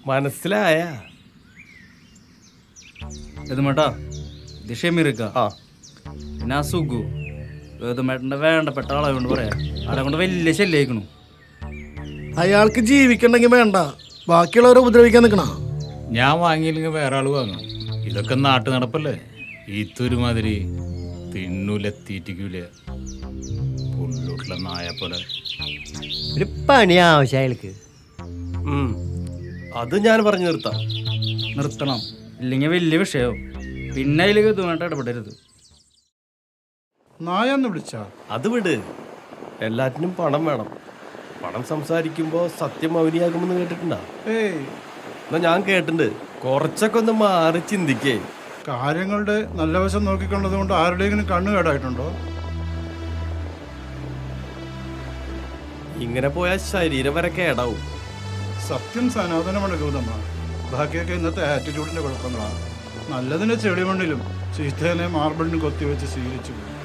മനസ്സിലായ ഏതുമേട്ടാ ഇത് ഷെമീർക്ക പിന്നെ ആ സുഖു ഏതുമേട്ടൻ്റെ വേണ്ടപ്പെട്ട ആളായതുകൊണ്ട് പറയാ ആളെ കൊണ്ട് വലിയ ശല്യമായിക്കണു. അയാൾക്ക് ജീവിക്കണ്ടെങ്കിൽ വേണ്ട, ബാക്കിയുള്ളവരെ ഉപദ്രവിക്കാൻ നിൽക്കണ. ഞാൻ വാങ്ങിയില്ലെങ്കിൽ വേറെ ആള് വാങ്ങും. ഇതൊക്കെ നാട്ടു നടപ്പല്ലേ. ഈത്തൊരുമാതിരി തിന്നൂല തീറ്റിക്കൂല പുള്ളൂട്ടിലെ നായ പോലെ. ഒരു പണി ആവശ്യം അയാൾക്ക്. അത് ഞാൻ പറഞ്ഞു നിർത്തണം, ഇല്ലെങ്കിൽ വലിയ വിഷയവും. പിന്നെ അതിലേക്ക് ഇതുമായിട്ട് ഇടപെടരുത്. നായെന്ന് വിളിച്ചാ അത് വിട്. എല്ലാറ്റിനും പണം വേണം. പണം സംസാരിക്കുമ്പോ സത്യം മൗനിയാകുമെന്ന് കേട്ടിട്ടുണ്ടാ? ഏയ്, എന്നാ ഞാൻ കേട്ടിട്ടുണ്ട്. കുറച്ചൊക്കെ ഒന്ന് മാറി ചിന്തിക്കേ. കാര്യങ്ങളുടെ നല്ല വശം നോക്കിക്കൊണ്ടത് കൊണ്ട് ആരുടെയെങ്കിലും കണ്ണു കേടായിട്ടുണ്ടോ? ഇങ്ങനെ പോയാൽ ശരീരം വരെ കേടാവും. സത്യം സനാതനമാണ് ഗൗതമ. ബാക്കിയൊക്കെ ഇന്നത്തെ ആറ്റിറ്റ്യൂഡിന്റെ കുഴപ്പങ്ങളാണ്. നല്ലതിനെ ചെളിമണ്ണിലും ചീത്തേനെ മാർബിളിനും കൊത്തിവെച്ച് ശീലിച്ചു പോയി.